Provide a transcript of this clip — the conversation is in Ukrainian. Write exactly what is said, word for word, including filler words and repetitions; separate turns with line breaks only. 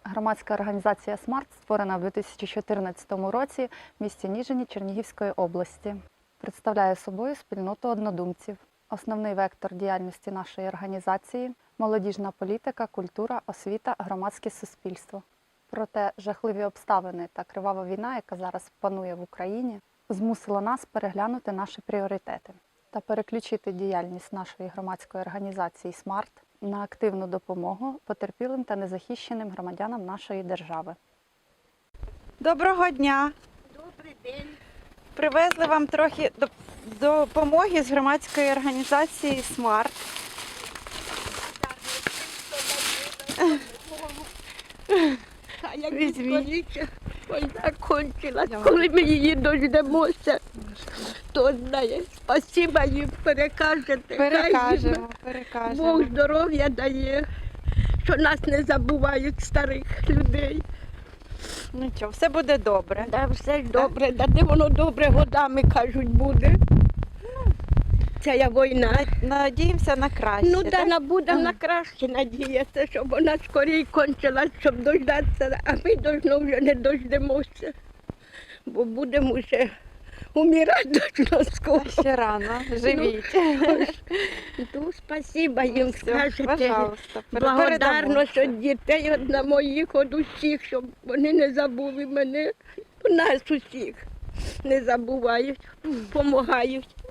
Громадська організація «Смарт» створена в дві тисячі чотирнадцятому році в місті Ніжині Чернігівської області. Представляє собою спільноту однодумців. Основний вектор діяльності нашої організації – молодіжна політика, культура, освіта, громадське суспільство. Проте жахливі обставини та кривава війна, яка зараз панує в Україні, змусила нас переглянути наші пріоритети та переключити діяльність нашої громадської організації «Смарт» на активну допомогу потерпілим та незахищеним громадянам нашої держави.
Доброго дня!
Добрий день.
Привезли вам трохи доп- допомоги з громадської організації «Смарт».
А як
Візьміть.
відколіться, війна кончилась, коли ми її дождемося, хто знає. Спасіба їм перекажете. Хай
Перекажемо,
їм
перекажемо.
Бог здоров'я дає, що нас не забувають старих людей.
Нічого, все буде добре.
Да, все ж добре, да де воно добре годами, кажуть, буде. Ця війна.
Надіємося на краще.
Ну, да,
так?
на будемо на краще надіятися, щоб вона скоріше кончилась, щоб дождатися, а ми должно вже не дождемося, бо будемо вже умирати должно скоро.
Ще рано, живіть.
Ну, спасіба їм
Все,
скажете.
пожалуйста, пере-
Благодарність
передамо.
від дітей, від на моїх, від усіх, щоб вони не забули мене. Нас усіх не забувають, допомагають.